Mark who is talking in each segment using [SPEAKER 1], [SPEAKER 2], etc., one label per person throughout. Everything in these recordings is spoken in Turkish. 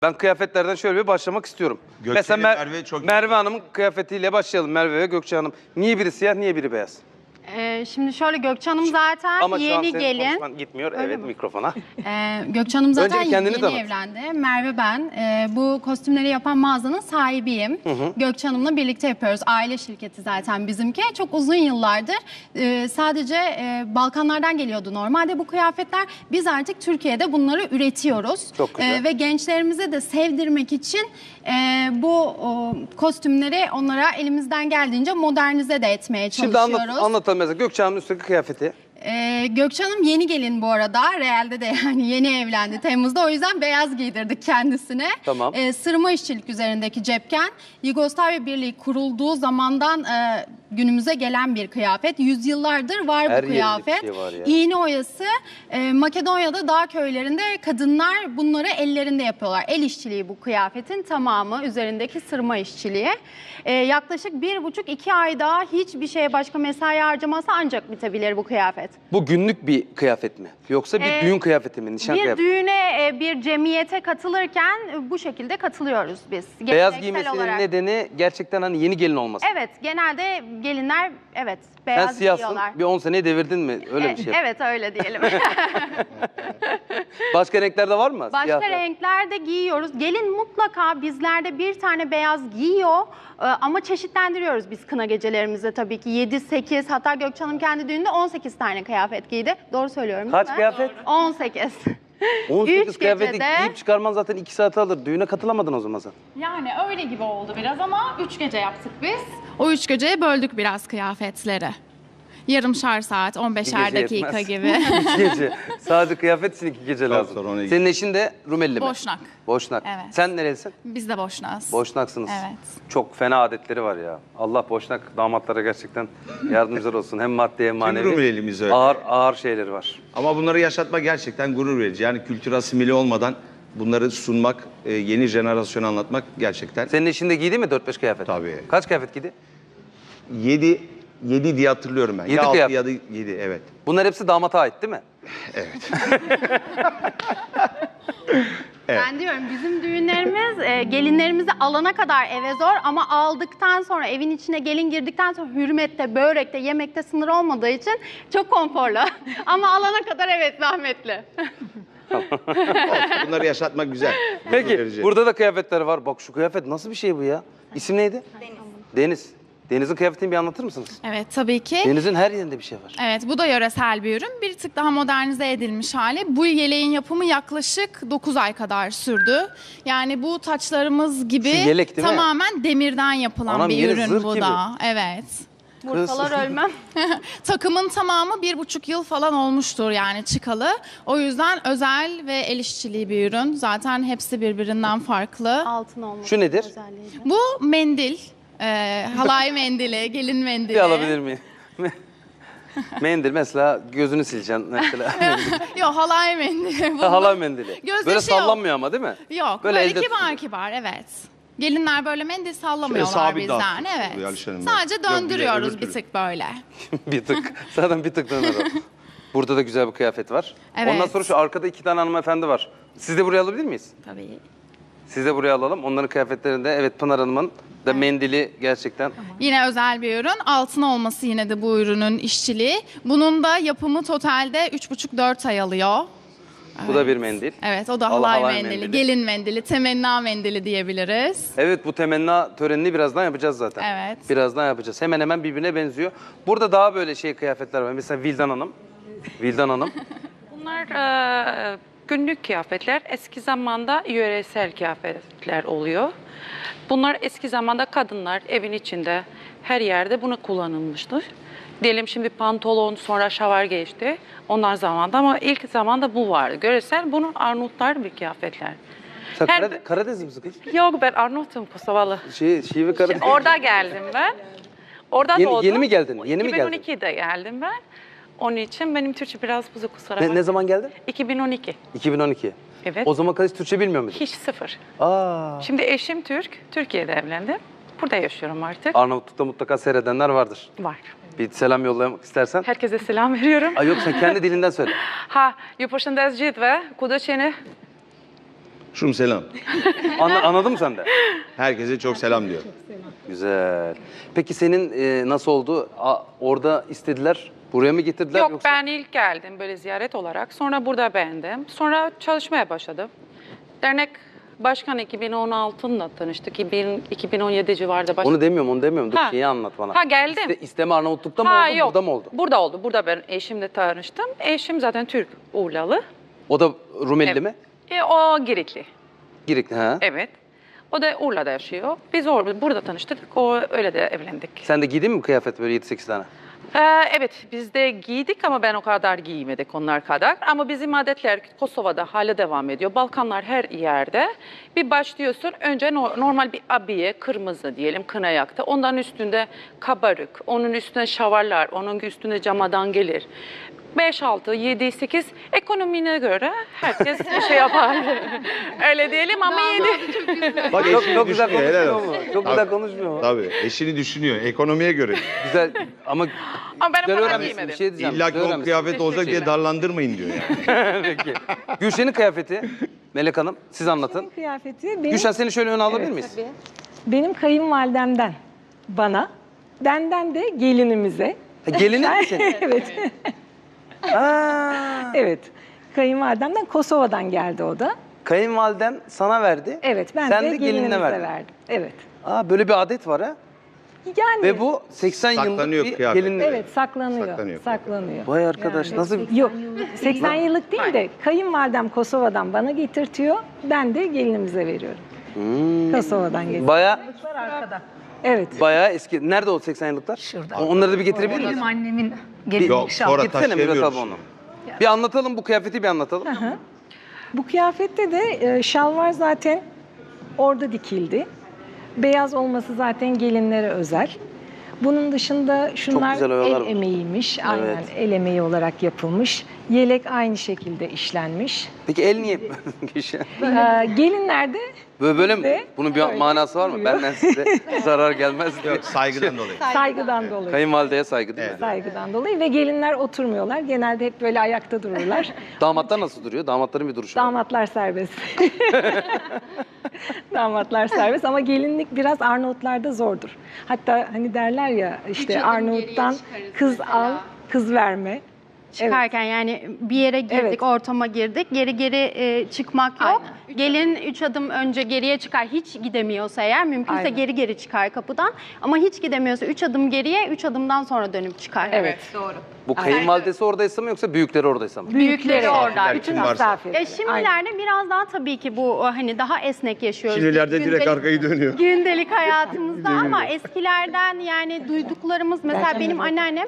[SPEAKER 1] Ben kıyafetlerden şöyle bir başlamak istiyorum.
[SPEAKER 2] Gökçe
[SPEAKER 1] Mesela
[SPEAKER 2] ile Merve çok
[SPEAKER 1] Merve Hanım'ın kıyafetiyle başlayalım. Merve ve Gökçe Hanım. Niye biri siyah, niye biri beyaz?
[SPEAKER 3] Şimdi şöyle Gökçe Hanım zaten
[SPEAKER 1] Ama şu an
[SPEAKER 3] yeni
[SPEAKER 1] senin
[SPEAKER 3] gelin.
[SPEAKER 1] konuşman gitmiyor.
[SPEAKER 3] Öyle
[SPEAKER 1] evet
[SPEAKER 3] mi?
[SPEAKER 1] mikrofona.
[SPEAKER 3] Gökçe Hanım zaten
[SPEAKER 1] Önce bir kendini
[SPEAKER 3] yeni
[SPEAKER 1] tanıt.
[SPEAKER 3] evlendi. Merve ben. Bu kostümleri yapan mağazanın sahibiyim. Gökçe Hanım'la birlikte yapıyoruz. Aile şirketi zaten bizimki. Çok uzun yıllardır sadece Balkanlardan geliyordu normalde bu kıyafetler. Biz artık Türkiye'de bunları üretiyoruz.
[SPEAKER 1] Çok güzel.
[SPEAKER 3] Ve gençlerimize de sevdirmek için bu kostümleri onlara elimizden geldiğince modernize de etmeye
[SPEAKER 1] Şimdi
[SPEAKER 3] çalışıyoruz.
[SPEAKER 1] anlatalım mesela Gökçe Hanım'ın üstteki kıyafeti.
[SPEAKER 3] Gökçe Hanım yeni gelin bu arada. Real'de de yani yeni evlendi Temmuz'da. O yüzden beyaz giydirdik kendisine.
[SPEAKER 1] Tamam.
[SPEAKER 3] Sırma işçilik üzerindeki cepken. Yugoslavya Birliği kurulduğu zamandan günümüze gelen bir kıyafet. Yüzyıllardır var
[SPEAKER 1] Her
[SPEAKER 3] bu
[SPEAKER 1] yerinde bir
[SPEAKER 3] kıyafet.
[SPEAKER 1] şey var ya.
[SPEAKER 3] İğne oyası. Makedonya'da dağ köylerinde kadınlar bunları ellerinde yapıyorlar. El işçiliği bu kıyafetin tamamı. Üzerindeki sırma işçiliği. Yaklaşık 1,5-2 ay daha hiçbir şeye başka mesai harcaması ancak bitebilir bu kıyafet.
[SPEAKER 1] Bu günlük bir kıyafet mi? Yoksa bir düğün kıyafeti mi? Nişan
[SPEAKER 3] Bir
[SPEAKER 1] kıyafeti?
[SPEAKER 3] düğüne, bir cemiyete katılırken bu şekilde katılıyoruz biz.
[SPEAKER 1] Beyaz
[SPEAKER 3] Geleneksel
[SPEAKER 1] giymesinin
[SPEAKER 3] olarak.
[SPEAKER 1] nedeni gerçekten hani yeni gelin olması.
[SPEAKER 3] Evet, genelde gelinler
[SPEAKER 1] Sen
[SPEAKER 3] beyaz
[SPEAKER 1] siyahsın,
[SPEAKER 3] giyiyorlar.
[SPEAKER 1] bir 10 seneyi devirdin mi? Öyle bir şey.
[SPEAKER 3] Evet, öyle diyelim.
[SPEAKER 1] Başka renklerde var mı?
[SPEAKER 3] Başka
[SPEAKER 1] Siyah.
[SPEAKER 3] renklerde giyiyoruz. Gelin mutlaka bizlerde bir tane beyaz giyiyor ama çeşitlendiriyoruz biz kına gecelerimizde tabii ki. 7-8, hatta Gökçe Hanım kendi düğünde 18 tane kıyafet giydi. Doğru söylüyorum değil
[SPEAKER 1] Kaç
[SPEAKER 3] mi?
[SPEAKER 1] kıyafet?
[SPEAKER 3] 18.
[SPEAKER 1] 18
[SPEAKER 3] Üç
[SPEAKER 1] kıyafeti
[SPEAKER 3] gecede-
[SPEAKER 1] giyip çıkarman zaten 2 saat alır. Düğüne katılamadın o zaman sen.
[SPEAKER 4] Yani öyle gibi oldu biraz ama 3 gece yaptık biz. O 3 geceye böldük biraz kıyafetleri. Yarımşar saat, 15'er
[SPEAKER 1] gece
[SPEAKER 4] dakika
[SPEAKER 1] yetmez.
[SPEAKER 4] gibi.
[SPEAKER 1] 2 gece. Sadece kıyafet için 2 gece lazım.
[SPEAKER 2] sonra ona-
[SPEAKER 1] Senin eşin de Rumeli mi?
[SPEAKER 4] Boşnak.
[SPEAKER 1] Boşnak.
[SPEAKER 4] Evet.
[SPEAKER 1] Sen nerelisin?
[SPEAKER 4] Biz de boşnağız.
[SPEAKER 1] Boşnaksınız.
[SPEAKER 4] Evet.
[SPEAKER 1] Çok fena adetleri var ya. Allah Boşnak damatlara gerçekten yardımcılar olsun. Hem maddi hem manevi.
[SPEAKER 2] Rumelimiz öyle.
[SPEAKER 1] Ağır şeyleri var.
[SPEAKER 2] Ama bunları yaşatmak gerçekten gurur verici. Yani kültür asimili olmadan bunları sunmak, yeni jenerasyona anlatmak gerçekten.
[SPEAKER 1] Senin eşin de giydi mi 4-5 kıyafet?
[SPEAKER 2] Tabii.
[SPEAKER 1] Kaç kıyafet giydi?
[SPEAKER 2] 7 diye hatırlıyorum ben.
[SPEAKER 1] 7
[SPEAKER 2] ya 6
[SPEAKER 1] kıyafet.
[SPEAKER 2] ya da 7, evet.
[SPEAKER 1] Bunlar hepsi damata ait değil mi?
[SPEAKER 3] Ben diyorum bizim düğünlerimiz gelinlerimizi alana kadar eve zor ama aldıktan sonra evin içine gelin girdikten sonra hürmette, börekte, yemekte sınır olmadığı için çok konforlu. Ama alana kadar evet zahmetli.
[SPEAKER 2] Bunları yaşatmak güzel. Gurur
[SPEAKER 1] Peki
[SPEAKER 2] verici.
[SPEAKER 1] burada da kıyafetler var. Bak şu kıyafet nasıl bir şey bu ya? İsim neydi? Deniz. Deniz'in kıyafetini bir anlatır mısınız?
[SPEAKER 4] Evet tabii ki.
[SPEAKER 1] Deniz'in her yerinde bir şey var.
[SPEAKER 4] Evet bu da yöresel bir ürün. Bir tık daha modernize edilmiş hali. Bu yeleğin yapımı yaklaşık 9 ay kadar sürdü. Yani bu taçlarımız gibi
[SPEAKER 1] Şu yelek değil mi?
[SPEAKER 4] tamamen demirden yapılan
[SPEAKER 1] Anam,
[SPEAKER 4] bir
[SPEAKER 1] yeni
[SPEAKER 4] ürün
[SPEAKER 1] zırh
[SPEAKER 4] bu
[SPEAKER 1] gibi.
[SPEAKER 4] da. Evet.
[SPEAKER 3] Vursalar ölmem.
[SPEAKER 4] Takımın tamamı 1,5 yıl falan olmuştur yani çıkalı. O yüzden özel ve el işçiliği bir ürün. Zaten hepsi birbirinden farklı.
[SPEAKER 3] Altın olması
[SPEAKER 1] Şu nedir?
[SPEAKER 3] özelliği.
[SPEAKER 4] Bu mendil. Halay mendili, gelin mendili.
[SPEAKER 1] Bir alabilir miyim? Mendil mesela gözünü sileceksin mesela.
[SPEAKER 4] Yok halay mendili. Bunu-
[SPEAKER 1] Halay mendili.
[SPEAKER 4] Gözyaşı
[SPEAKER 1] Böyle
[SPEAKER 4] yok.
[SPEAKER 1] sallanmıyor ama değil mi?
[SPEAKER 4] Yok
[SPEAKER 1] Böyle
[SPEAKER 4] böyle,
[SPEAKER 1] elde
[SPEAKER 4] kibar
[SPEAKER 1] tutuyor.
[SPEAKER 4] kibar evet. Gelinler böyle mendil sallamıyorlar
[SPEAKER 2] sabit
[SPEAKER 4] bizden
[SPEAKER 2] dağıtıyor
[SPEAKER 4] evet.
[SPEAKER 2] Alişan Hanım.
[SPEAKER 4] Sadece
[SPEAKER 2] Yok, bir de
[SPEAKER 4] döndürüyoruz
[SPEAKER 2] öbür
[SPEAKER 4] bir
[SPEAKER 2] türlü.
[SPEAKER 4] tık böyle.
[SPEAKER 1] Bir tık. Zaten bir tık döner o. Burada da güzel bir kıyafet var.
[SPEAKER 4] Evet.
[SPEAKER 1] Ondan sonra şu arkada 2 tane hanımefendi var. Siz de buraya alabilir miyiz?
[SPEAKER 4] Tabii.
[SPEAKER 1] Siz de buraya alalım. Onların kıyafetlerinde evet Pınar Hanım'ın da mendili gerçekten.
[SPEAKER 4] Yine özel bir ürün. Altın olması yine de bu ürünün işçiliği. Bunun da yapımı totalde 3,5-4 ay alıyor.
[SPEAKER 1] Bu da bir mendil.
[SPEAKER 4] Evet o da
[SPEAKER 1] Halay
[SPEAKER 4] halay mendili,
[SPEAKER 1] mendili.
[SPEAKER 4] gelin mendili, temenna mendili diyebiliriz.
[SPEAKER 1] Evet bu temenna törenini birazdan yapacağız zaten.
[SPEAKER 4] Evet.
[SPEAKER 1] Birazdan yapacağız. Hemen hemen birbirine benziyor. Burada daha böyle şey kıyafetler var. Mesela Vildan Hanım. Vildan Hanım.
[SPEAKER 5] Bunlar günlük kıyafetler. Eski zamanda yöresel kıyafetler oluyor. Bunlar eski zamanda kadınlar evin içinde her yerde bunu kullanılmıştır. Diyelim şimdi pantolon sonra şalvar geçti. Onlar zamanda ama ilk zamanda bu vardı. Göresel bunun Arnavutlar bir kıyafetler.
[SPEAKER 1] Sen
[SPEAKER 5] Her-
[SPEAKER 1] Karadeniz misin kız?
[SPEAKER 5] Yok ben Arnavut'um Kosovalı.
[SPEAKER 1] Şive Karadeniz.
[SPEAKER 5] Orada geldim ben. Orada
[SPEAKER 1] Yeni-
[SPEAKER 5] doğdum.
[SPEAKER 1] yeni mi geldin? Yeni mi geldin?
[SPEAKER 5] 2012'de geldim ben. Onun için benim Türkçe biraz bozuk kusura bakma.
[SPEAKER 1] Ne zaman geldin?
[SPEAKER 5] 2012.
[SPEAKER 1] 2012.
[SPEAKER 5] Evet.
[SPEAKER 1] O zaman hiç Türkçe bilmiyor muydun?
[SPEAKER 5] Hiç sıfır.
[SPEAKER 1] Aa.
[SPEAKER 5] Şimdi eşim Türk. Türkiye'de evlendim. Burada yaşıyorum artık.
[SPEAKER 1] Arnavutluk'ta mutlaka seyredenler vardır.
[SPEAKER 5] Var.
[SPEAKER 1] Bir selam yollamak istersen.
[SPEAKER 5] Herkese selam veriyorum.
[SPEAKER 1] Ay yok sen kendi dilinden söyle.
[SPEAKER 5] Ha, ju përshëndes gjithëve, kudo që jeni.
[SPEAKER 2] Şum selam.
[SPEAKER 1] Anladın mı sen de?
[SPEAKER 2] Herkese çok selam diyor.
[SPEAKER 1] Güzel. Peki senin nasıl oldu? Orada istediler, buraya mı getirdiler
[SPEAKER 5] Yok,
[SPEAKER 1] yoksa?
[SPEAKER 5] ben ilk geldim böyle ziyaret olarak. Sonra burada beğendim. Sonra çalışmaya başladım. Dernek başkanı 2016'da tanıştık. 2017 civarında başladık.
[SPEAKER 1] Onu demiyorum. Dur
[SPEAKER 5] Ha.
[SPEAKER 1] şeyi anlat bana.
[SPEAKER 5] Ha, geldim.
[SPEAKER 1] İsteme Arnavutluk'ta mı oldu,
[SPEAKER 5] Yok.
[SPEAKER 1] burada mı oldu?
[SPEAKER 5] Burada oldu. Burada ben eşimle tanıştım. Eşim zaten Türk, Urlalı.
[SPEAKER 1] O da Rumeli
[SPEAKER 5] Evet.
[SPEAKER 1] mi?
[SPEAKER 5] O Girikli.
[SPEAKER 1] Girikli ha.
[SPEAKER 5] Evet. O da Urla'da yaşıyor. Biz burada tanıştık. O öyle de evlendik.
[SPEAKER 1] Sen de giydin mi kıyafet böyle 7-8 tane?
[SPEAKER 5] Evet, biz de giydik ama ben o kadar giymedik onlar kadar. Ama bizim adetler Kosova'da hala devam ediyor. Balkanlar her yerde. Bir başlıyorsun, önce normal bir abiye, kırmızı diyelim, kına yaktı. Ondan üstünde kabarık, onun üstünde şavarlar, onun üstünde camadan gelir. 5, 6, 7, 8 ekonomine göre herkes bir şey yapar. Öyle diyelim ama 7.
[SPEAKER 2] Bak
[SPEAKER 1] Çok,
[SPEAKER 2] eşini
[SPEAKER 1] çok güzel
[SPEAKER 2] düşünüyor, helal
[SPEAKER 1] konuşmuyor
[SPEAKER 2] olsun.
[SPEAKER 1] mu? Çok güzel konuşmuyor mu?
[SPEAKER 2] Tabii eşini düşünüyor ekonomiye göre.
[SPEAKER 1] Güzel ama
[SPEAKER 5] Ama ben o
[SPEAKER 1] güzel
[SPEAKER 5] kadar
[SPEAKER 1] öğrenmişsin.
[SPEAKER 5] giymedim.
[SPEAKER 1] Bir şey diyeceğim.
[SPEAKER 2] İlla ki
[SPEAKER 1] güzel
[SPEAKER 2] o
[SPEAKER 1] öğrenmişsin.
[SPEAKER 2] kıyafet olacak diye darlandırmayın diyor yani.
[SPEAKER 1] Peki. Gülşen'in kıyafeti, Melek Hanım siz anlatın.
[SPEAKER 6] Kıyafeti benim,
[SPEAKER 1] Gülşen seni şöyle öne alabilir miyiz?
[SPEAKER 6] benim kayınvalidemden bana, benden de gelinimize.
[SPEAKER 1] Gelinin mi senin?
[SPEAKER 6] Evet,
[SPEAKER 1] Aa,
[SPEAKER 6] evet. Kayınvalidemden Kosova'dan geldi o da.
[SPEAKER 1] kayınvaliden sana verdi.
[SPEAKER 6] Evet, ben
[SPEAKER 1] Sen
[SPEAKER 6] de
[SPEAKER 1] de gelinine
[SPEAKER 6] gelinimize
[SPEAKER 1] verdin.
[SPEAKER 6] verdim. Evet.
[SPEAKER 1] Aa, böyle bir adet var ha.
[SPEAKER 6] Yani
[SPEAKER 1] Ve bu 80 yıllık
[SPEAKER 2] Saklanıyor
[SPEAKER 1] bir
[SPEAKER 2] kıyafet.
[SPEAKER 1] gelinlik.
[SPEAKER 6] evet saklanıyor.
[SPEAKER 2] Saklanıyor.
[SPEAKER 6] Saklanıyor.
[SPEAKER 1] Vay arkadaş nasıl
[SPEAKER 6] Yok, 80 yıllık değil de kayınvalidem Kosova'dan bana getirtiyor. Ben de gelinimize veriyorum. Kosova'dan getiriyor.
[SPEAKER 1] baya
[SPEAKER 6] Evet.
[SPEAKER 1] bayağı eski. Nerede o 80 yıllıklar?
[SPEAKER 7] Şurada.
[SPEAKER 1] Onları da bir getirebilir miyiz?
[SPEAKER 7] Benim annemin gelinlik
[SPEAKER 2] Yok
[SPEAKER 7] şal.
[SPEAKER 2] sonra
[SPEAKER 1] Gitsene Mürvet abi
[SPEAKER 2] taşıyamıyoruz.
[SPEAKER 1] onu. Bir anlatalım bu kıyafeti bir anlatalım.
[SPEAKER 6] Bu kıyafette de şalvar zaten orada dikildi. Beyaz olması zaten gelinlere özel. Bunun dışında şunlar
[SPEAKER 1] güzel oyalar
[SPEAKER 6] el
[SPEAKER 1] var.
[SPEAKER 6] emeğiymiş. Aynen
[SPEAKER 1] Evet.
[SPEAKER 6] el emeği olarak yapılmış. Yelek aynı şekilde işlenmiş.
[SPEAKER 1] Peki el niye Gülşen?
[SPEAKER 6] Gelinlerde
[SPEAKER 1] Böyle mi?
[SPEAKER 6] Ve
[SPEAKER 1] Bunun bir
[SPEAKER 6] öyle
[SPEAKER 1] manası var mı?
[SPEAKER 6] oluyor.
[SPEAKER 1] Benden size zarar gelmez diye.
[SPEAKER 2] Yok saygıdan dolayı.
[SPEAKER 6] saygıdan dolayı.
[SPEAKER 1] Kayınvalideye saygı değil mi?
[SPEAKER 6] Saygıdan dolayı ve gelinler oturmuyorlar. Genelde hep böyle ayakta dururlar.
[SPEAKER 1] Damatlar nasıl duruyor? Damatların bir duruşu var.
[SPEAKER 6] Damatlar serbest. Damatlar serbest ama gelinlik biraz Arnavutlarda zordur. Hatta hani derler ya işte Arnavut'tan kız al, kız verme.
[SPEAKER 3] Çıkarken yani bir yere girdik,
[SPEAKER 6] Evet.
[SPEAKER 3] ortama girdik. Geri çıkmak yok. Gelin 3 adım önce geriye çıkar. Hiç gidemiyorsa eğer mümkünse
[SPEAKER 6] Aynen.
[SPEAKER 3] geri çıkar kapıdan. Ama hiç gidemiyorsa 3 adım geriye, 3 adımdan sonra dönüp çıkar.
[SPEAKER 6] Evet.
[SPEAKER 1] Bu kayınvalidesi oradaysa mı yoksa büyükleri oradaysa mı?
[SPEAKER 3] Büyükleri orada.
[SPEAKER 2] Kim varsa.
[SPEAKER 6] Misafir.
[SPEAKER 3] Ya şimdilerde biraz daha tabii ki bu hani daha esnek yaşıyoruz.
[SPEAKER 2] Şimdilerde direkt
[SPEAKER 3] Gündelik-
[SPEAKER 2] arkayı dönüyor.
[SPEAKER 3] Gündelik hayatımızda ama eskilerden yani duyduklarımız mesela benim anneannem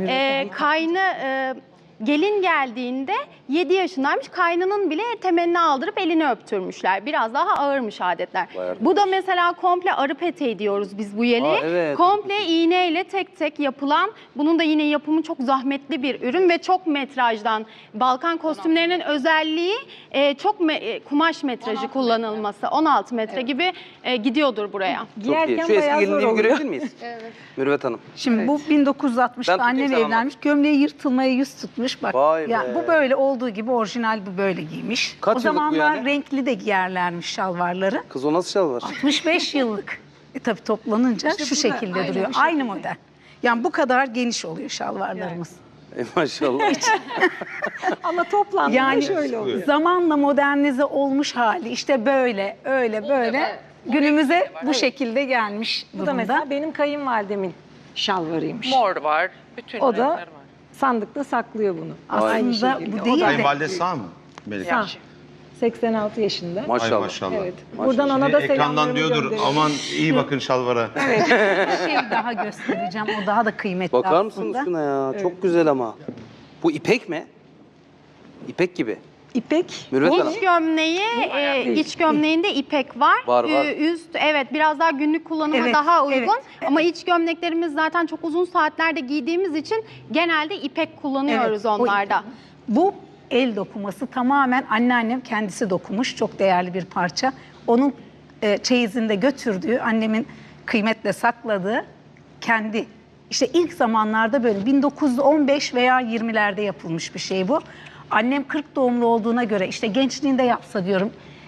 [SPEAKER 3] kaynı gelin geldiğinde 7 yaşındaymış. Kaynının bile temelini aldırıp elini öptürmüşler. Biraz daha ağırmış adetler. Bu da mesela komple arı peteği diyoruz biz bu yeleğe.
[SPEAKER 1] Evet.
[SPEAKER 3] Komple iğneyle tek tek yapılan, bunun da yine yapımı çok zahmetli bir ürün ve çok metrajdan. Balkan kostümlerinin özelliği çok kumaş metrajı kullanılması. 16 metre gibi gidiyordur buraya.
[SPEAKER 1] Çok iyi.
[SPEAKER 6] Giyerken
[SPEAKER 1] Şu eski
[SPEAKER 6] bayağı zor
[SPEAKER 1] gelinliği
[SPEAKER 6] oluyor.
[SPEAKER 1] görebilir miyiz? Mürvet Hanım.
[SPEAKER 7] Şimdi bu 1960'da
[SPEAKER 1] Ben tutayım,
[SPEAKER 7] annem
[SPEAKER 1] sen anlat.
[SPEAKER 7] evlenmiş. Gömleği yırtılmaya yüz tutmuş. Bak
[SPEAKER 1] Vay
[SPEAKER 7] ya
[SPEAKER 1] be.
[SPEAKER 7] bu böyle olduğu gibi orijinal bu böyle giymiş.
[SPEAKER 1] Kaç
[SPEAKER 7] o
[SPEAKER 1] yıllık bu
[SPEAKER 7] zamanlar
[SPEAKER 1] yani?
[SPEAKER 7] renkli de giyerlermiş şalvarları.
[SPEAKER 1] Kız o nasıl şal var?
[SPEAKER 7] 65 yıllık. Tabii toplanınca şu şekilde duruyor. Aynı model. Yani bu kadar geniş oluyor şalvarlarımız.
[SPEAKER 1] Maşallah.
[SPEAKER 6] Ama toplamda
[SPEAKER 7] Yani
[SPEAKER 6] şöyle oluyor.
[SPEAKER 7] zamanla modernize olmuş hali işte böyle öyle böyle günümüze bu şekilde gelmiş
[SPEAKER 6] Bu da
[SPEAKER 7] durumda.
[SPEAKER 6] mesela benim kayınvalidemin şalvarıymış.
[SPEAKER 5] Mor var, bütün
[SPEAKER 6] O da
[SPEAKER 5] renkler var.
[SPEAKER 6] sandıkta saklıyor bunu.
[SPEAKER 7] Aslında bu değil de
[SPEAKER 2] Kayınvalide sağ mı? Melek?
[SPEAKER 6] Sağ. 86 yaşında.
[SPEAKER 2] Ay
[SPEAKER 1] Maşallah.
[SPEAKER 2] maşallah.
[SPEAKER 6] Evet. Buradan ona da
[SPEAKER 2] Ekrandan
[SPEAKER 6] selamlarımı
[SPEAKER 2] diyordur
[SPEAKER 6] gönderiyorum.
[SPEAKER 2] aman iyi bakın şalvara.
[SPEAKER 7] bir şey daha göstereceğim. O daha da kıymetli
[SPEAKER 1] Bakar
[SPEAKER 7] aslında.
[SPEAKER 1] mısınız şuna ya? Çok güzel ama. Bu ipek mi? İpek gibi.
[SPEAKER 6] İpek.
[SPEAKER 1] Mürvet Hanım.
[SPEAKER 3] İç gömleği, iç gömleğinde ipek var.
[SPEAKER 1] Var.
[SPEAKER 3] Üst, evet biraz daha günlük kullanıma
[SPEAKER 7] Evet,
[SPEAKER 3] daha uygun.
[SPEAKER 7] evet,
[SPEAKER 3] Ama iç gömleklerimiz zaten çok uzun saatlerde giydiğimiz için genelde ipek kullanıyoruz
[SPEAKER 7] Evet, o
[SPEAKER 3] onlarda.
[SPEAKER 7] Bu el dokuması tamamen anneannem kendisi dokumuş. Çok değerli bir parça. Onun çeyizinde götürdüğü, annemin kıymetle sakladığı kendi işte ilk zamanlarda böyle 1915 veya 20'lerde yapılmış bir şey bu. Annem 40 doğumlu olduğuna göre işte gençliğinde yapsa diyorum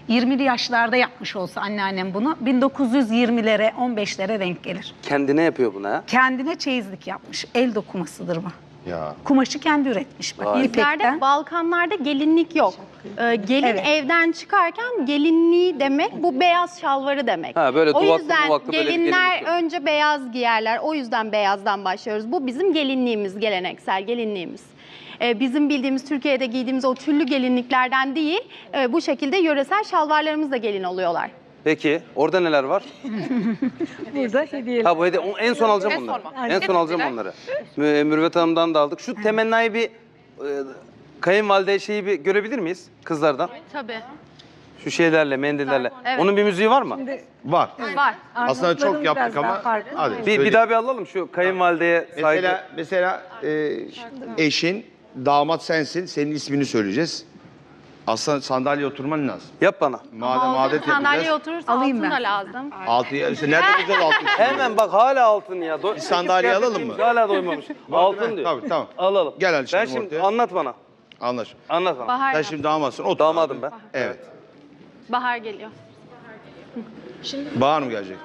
[SPEAKER 7] 20'li yaşlarda yapmış olsa anneannem bunu 1920'lere 15'lere denk gelir.
[SPEAKER 1] Kendine yapıyor bunu ha.
[SPEAKER 7] Kendine çeyizlik yapmış. El dokumasıdır bu.
[SPEAKER 2] Ya.
[SPEAKER 7] Kumaşı kendi üretmiş. Bak,
[SPEAKER 1] Vay.
[SPEAKER 7] ipekten.
[SPEAKER 3] Bizlerde Balkanlarda gelinlik yok. Gelin
[SPEAKER 7] Evet.
[SPEAKER 3] evden çıkarken gelinliği demek bu beyaz şalvarı demek.
[SPEAKER 1] Ha, böyle
[SPEAKER 3] o
[SPEAKER 1] duvaklı
[SPEAKER 3] yüzden
[SPEAKER 1] duvaklı böyle bir
[SPEAKER 3] gelinler
[SPEAKER 1] gelinlik yok.
[SPEAKER 3] önce beyaz giyerler. O yüzden beyazdan başlıyoruz. Bu bizim gelinliğimiz, geleneksel gelinliğimiz. Bizim bildiğimiz Türkiye'de giydiğimiz o tüllü gelinliklerden değil, bu şekilde yöresel şalvarlarımız da gelin oluyorlar.
[SPEAKER 1] Peki orada neler var?
[SPEAKER 6] Burada hediyeler.
[SPEAKER 1] Ha bu hediye en son alacağım
[SPEAKER 4] En
[SPEAKER 1] onları.
[SPEAKER 4] son.
[SPEAKER 1] En son alacağım onları. Mürüvvet Hanım'dan da aldık. Şu temennayı bir kayınvalide şeyi bir görebilir miyiz kızlardan?
[SPEAKER 3] Tabii.
[SPEAKER 1] Şu şeylerle, mendillerle.
[SPEAKER 3] Evet.
[SPEAKER 1] Onun bir müziği var mı?
[SPEAKER 2] Var.
[SPEAKER 3] Var.
[SPEAKER 2] Aslında çok
[SPEAKER 6] Arnavutların
[SPEAKER 2] yaptık
[SPEAKER 6] biraz daha
[SPEAKER 2] ama
[SPEAKER 6] farklı.
[SPEAKER 2] hadi.
[SPEAKER 1] Bir
[SPEAKER 2] söyleyeyim.
[SPEAKER 1] daha bir alalım şu kayınvalideye saygı.
[SPEAKER 2] Mesela eşin, damat sensin. Senin ismini söyleyeceğiz. Aslında sandalyeye oturman lazım.
[SPEAKER 1] Yap bana.
[SPEAKER 2] Madem adet
[SPEAKER 3] Sandalyeye
[SPEAKER 2] yapacağız.
[SPEAKER 3] oturursa
[SPEAKER 7] Alayım
[SPEAKER 3] altın
[SPEAKER 7] ben.
[SPEAKER 3] da lazım.
[SPEAKER 2] Altı, işte nerede bulacağız altı?
[SPEAKER 1] Hemen bak hala altın ya.
[SPEAKER 2] Bir sandalye alalım mı?
[SPEAKER 1] Hala doymamış. altın diyor.
[SPEAKER 2] Tabii, tamam.
[SPEAKER 1] Alalım.
[SPEAKER 2] Gel Ali
[SPEAKER 1] Ben
[SPEAKER 2] şimdi
[SPEAKER 1] şimdi
[SPEAKER 2] ortaya.
[SPEAKER 1] anlat bana.
[SPEAKER 2] Anlaş.
[SPEAKER 1] Anlat bana.
[SPEAKER 3] Bahar,
[SPEAKER 2] Sen şimdi damatsın. Otur.
[SPEAKER 1] Damadım ben.
[SPEAKER 2] Evet.
[SPEAKER 3] bahar geliyor.
[SPEAKER 2] Bahar mı gelecek?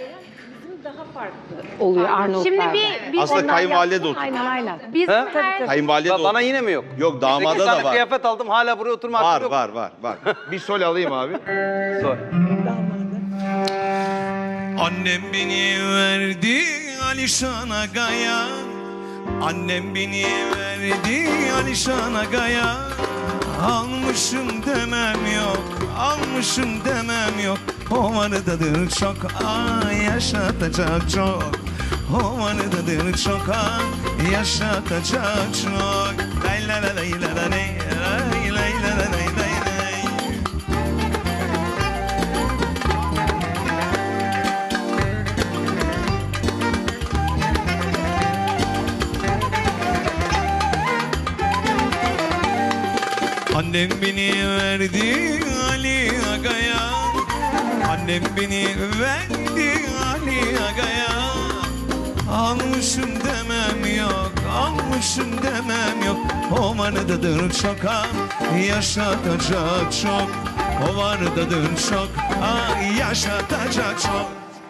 [SPEAKER 6] Oluyor Arnavutlarda.
[SPEAKER 3] Şimdi bir
[SPEAKER 2] Aslında
[SPEAKER 6] Onlar
[SPEAKER 2] kayınvalide de
[SPEAKER 6] yapsın,
[SPEAKER 2] otur.
[SPEAKER 6] Aynen aynen.
[SPEAKER 3] bizim
[SPEAKER 1] He?
[SPEAKER 3] her
[SPEAKER 2] Kayınvalide de
[SPEAKER 1] Bana
[SPEAKER 2] otur.
[SPEAKER 1] yine mi yok?
[SPEAKER 2] Yok, damada
[SPEAKER 1] 8
[SPEAKER 2] da
[SPEAKER 1] tane
[SPEAKER 2] var.
[SPEAKER 1] kıyafet aldım hala buraya oturma hakkım
[SPEAKER 2] Var
[SPEAKER 1] yok.
[SPEAKER 2] var. Bir sol alayım abi.
[SPEAKER 1] Sor.
[SPEAKER 8] Annem beni verdi Alişan Aga'ya. Annem beni verdi Alişan Aga'ya. Almışım demem yok, almışım demem yok. O vardadır çok, yaşatacak çok. O vardadır çok, yaşatacak çok. Lay la la lay la la lay, lay lay la la lay lay lay. Annem beni verdi Ali Aga'ya. Annem beni verdi Ali Aga'ya. Almışım demem yok, almışım demem yok. O vardadır çok, yaşatacak çok. O vardadır çok, yaşatacak çok.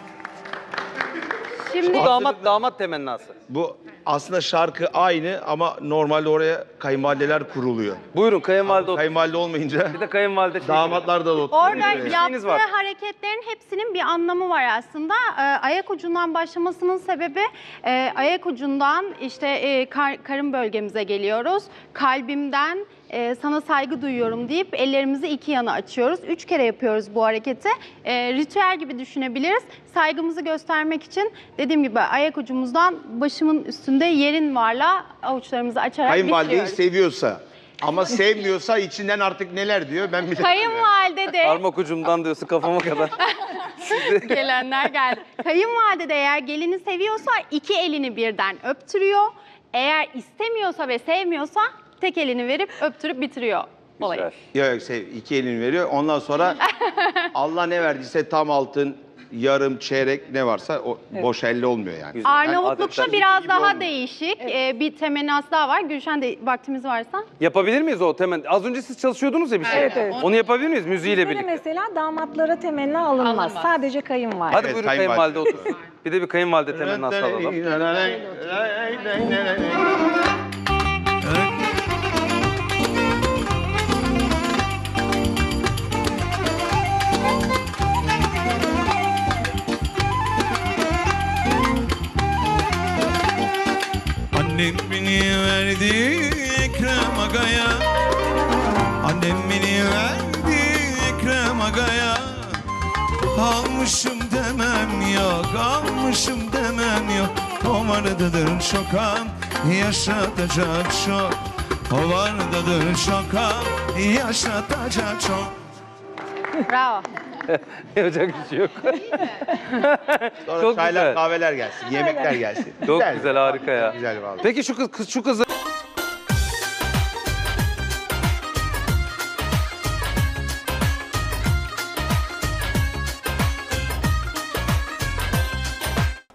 [SPEAKER 3] şimdi
[SPEAKER 1] Bu damat temennası.
[SPEAKER 2] Bu aslında şarkı aynı ama normalde oraya kayınvalideler kuruluyor.
[SPEAKER 1] Buyurun kayınvalide otur.
[SPEAKER 2] Kayınvalide olmayınca
[SPEAKER 1] Bir de kayınvalide şey.
[SPEAKER 2] damatlar da oturuyor.
[SPEAKER 3] orada
[SPEAKER 1] şeyiniz
[SPEAKER 3] yaptığı
[SPEAKER 1] var.
[SPEAKER 3] hareketlerin hepsinin bir anlamı var aslında. Ayak ucundan başlamasının sebebi ayak ucundan işte karın bölgemize geliyoruz. Kalbimden sana saygı duyuyorum deyip ellerimizi iki yana açıyoruz. 3 kere yapıyoruz bu hareketi. Ritüel gibi düşünebiliriz. Saygımızı göstermek için dediğim gibi ayak ucumuzdan başımın üstünde yerin varla avuçlarımızı açarak
[SPEAKER 2] Kayınvalideyi
[SPEAKER 3] bitiriyoruz.
[SPEAKER 2] seviyorsa ama sevmiyorsa içinden artık neler diyor ben bilmiyorum.
[SPEAKER 3] Kayınvalide de
[SPEAKER 1] Parmak ucumdan diyorsun kafama kadar.
[SPEAKER 3] gelenler geldi. Kayınvalide de eğer gelini seviyorsa iki elini birden öptürüyor. Eğer istemiyorsa ve sevmiyorsa tek elini verip öptürüp bitiriyor olayı.
[SPEAKER 1] Güzel.
[SPEAKER 2] Yok iki elini veriyor. Ondan sonra Allah ne verdiyse tam altın, yarım, çeyrek ne varsa o boş elle olmuyor yani.
[SPEAKER 1] Güzel.
[SPEAKER 3] Arnavutlukta
[SPEAKER 1] Adetler
[SPEAKER 3] biraz
[SPEAKER 1] gibi
[SPEAKER 3] daha
[SPEAKER 1] olmuyor.
[SPEAKER 3] değişik. Bir temennası daha var. Gülşen de vaktimiz varsa.
[SPEAKER 1] Yapabilir miyiz o temen? Az önce siz çalışıyordunuz ya bir şey.
[SPEAKER 6] Evet, evet.
[SPEAKER 1] Onu yapabilir miyiz müziğiyle
[SPEAKER 6] Bizde de
[SPEAKER 1] birlikte?
[SPEAKER 6] mesela damatlara temenna alınmaz. Sadece kayınvalide.
[SPEAKER 1] Hadi
[SPEAKER 2] Evet,
[SPEAKER 1] buyurun
[SPEAKER 2] kayınvalide.
[SPEAKER 1] kayınvalide otursun. Bir de bir kayınvalide temennası alalım.
[SPEAKER 8] Annem beni verdi Ekrem Aga'ya. Annem beni verdi Ekrem Aga'ya. Almışım demem yok, almışım demem yok. O vardadır çok, yaşatacak çok. O vardadır çok, yaşatacak çok.
[SPEAKER 3] Bravo.
[SPEAKER 1] Yapacak bir şey yok.
[SPEAKER 2] Sonra
[SPEAKER 1] Çok
[SPEAKER 2] çaylar,
[SPEAKER 1] güzel.
[SPEAKER 2] kahveler gelsin, yemekler gelsin.
[SPEAKER 1] Çok güzel harika ya.
[SPEAKER 2] Güzel vallahi.
[SPEAKER 1] Peki şu kızı